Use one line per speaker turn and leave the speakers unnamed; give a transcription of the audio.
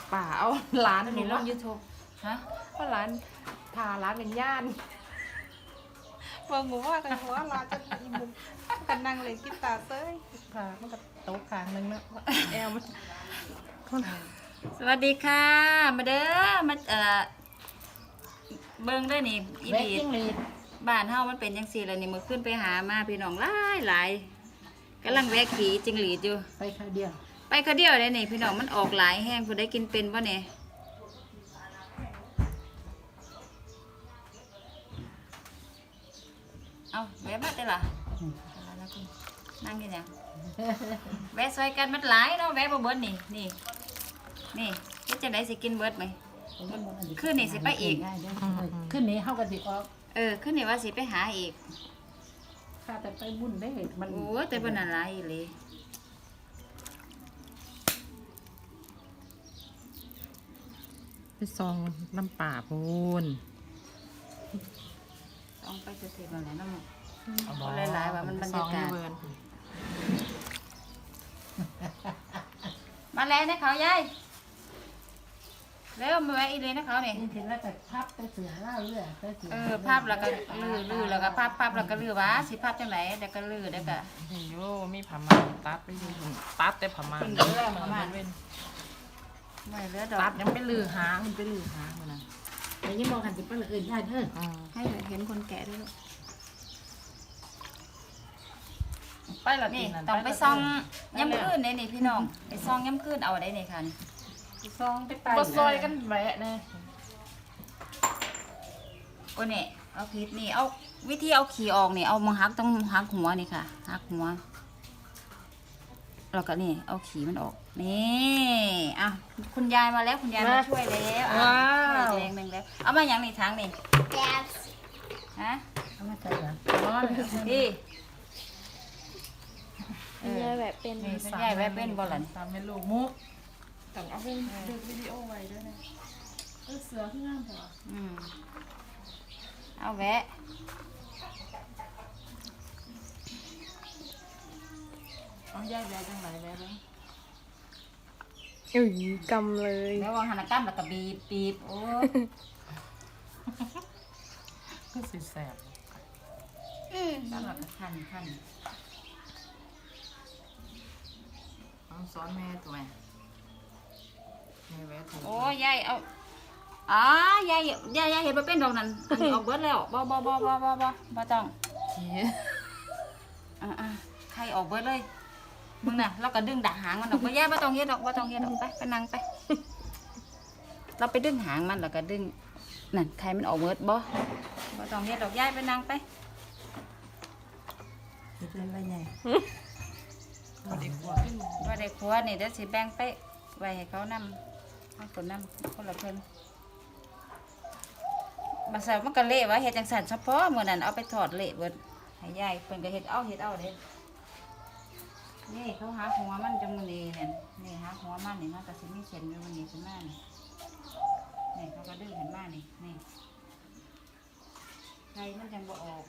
ป่าเอาร้าน
ตอน
หนู
นี้ล
ว่าง
YouTube ฮะ
เพราะร้านพาร้านเป็นย่านเบิ่งหมูว่ากันหัวร้านจะอีมุมกันนั่งเลยกีตาร์เซ้ยพามันก็โต๊ะข้างนึงนะแอลมัน
สวัสดีค่ะ มาเด้อมาเบิ่งได้อนี่อี
แบก
ดี
จิ้งหรีด
บ้านเฮามันเป็นจังซี่แล้วนี่มื้อขึ้นไปหามาพี่น้องหลายกำลังแวะขี่จิงหรีดอยู่
ไปคราวเดียว
ไปเขาเดียวเลยนี่พี่น้องมันออกหลายแห้งผู้ได้กินเป็นบ่เนี่ยเอาแวะมาได้ล่ะนั่งกันยังแวะซอยกันมันหลายเนาะแวะบ่เบิดนี่นี่เฮ็ดจังได๋สิกินเบิดไหม ขึ้นนี่สิไปอีก
ขึ้นนี่เฮากันสิออก
ขึ้นนี่ว่าสิไปหาอีก
ข้าแต่ไปบุญได้มัน
โอ้ยแต่บ่น่าหลายอีหลี
ไปซองน้ำป่าพูน
ต้องไปสิๆบ่แหละน้ำบ่หลายๆว่ามันบรรยากาศมาแล้วนะเขายายเร็วมาแวะอีเลยนะเขาเนี่ย
นี่ถึงแล้วแต่พับไปเสือเล่าเรื่องไปเสือ
ภาพแล้วก็ลื้อแล้วก็ภาพแล้วก็ลื้อวะสิภาพจังไหนเดี๋ยวก็ลื้อเดี๋ยวก็
โยมีผ้าม่านตัดไปอยู่ตัดแต่ผ้าม่าน
เป็นเรื่องประมาณ
เว้น
ไม่เหลือดอ
ตั
ก
ดยังไปลือหางมันไปลือหางมันนะ
แต่ยังมองกันสิไปละอื่นได้เด้อ
ให้เห็นคนแก่ด้วยลูก
ไปละ
นี่
นั่น
ต้องไปซองย้ำคืนเนี่ยนี่พี่น้องไปซองย้ำคืนเอาได้เนี่ยค่ะนี่
ซองไปไป
บ่ซอยกันแหวะแน่
โอ้เนี่ยเอาผิดนี่เอาวิธีเอาขี่ออกนี่เอามาหักต้องหักหัวนี่ค่ะหักหัวแล้วก็นี่เอาขี่มันออกนี่อ่ะคุณยายมาแล้วคุณยายมาช่วยแล้วอ่ะช่วยแรงหนึ่งแล้วเอามาอย่างนี่ทางนี่ฮะ
เอามาใส่กัน
พี่
คุณยายแบบเป็น
นี่คุณยายแวะเป็นบ่ล่ะนี่
ตามแม่ลูกมุกต้องเอาเป็นดึกวิดีโอไว้ด้วยนะเสือขึ้นงามเถอะ
เอาแวะ
เอาย่ายแหวะจังไหนแหวะบ้าง
อุ้ยกำเลย
แล้ววางหันกล้ามแล้วก็บีบโอ้
ก็สิแสบ
กล้ามแล้วก็คัน
เอาสอนแม่ตัวแม่แหวะถูก
โอ้ยายเอายายเห็นบ่เป็นดอกนั้นอันนี้ออกเบิดแล้วบ่ต้อง
ขี้
ใครออกเบิดเลยมึงน่ะเราก็ดึงดักหางมันออกบ่ยายบ่ต้องเฮ็ดดอกไปนั่งไปเราไปดึงหางมันแล้วก็ดึงนั่นใครมันออกเบิดบ่ต้องเฮ็ดดอกยายไปนั่งไป
เฮ็ดเล่นไรไง
พอดีกว่า
ว่าได้ครัวนี่เดี๋ยวสิแบ่งไปไว้ให้เขานำให้คนนำคนละเพิ่นบาสาวมันก็เละวะเฮ็ดจังซั่นเฉพาะมื้อนั้นเอาไปทอดเละเบิดให้ยายเพิ่นก็เฮ็ดเอาเด้นี่เขาหาหัวมันจังมื้อนี้เนี่ยนี่หาหัวมันนี่มันก็สิมีเส้นอยู่มื้อนี้ขึ้นมานี่เขาก็ดึงขึ้นมานี่ไข่มันจังบ่ออก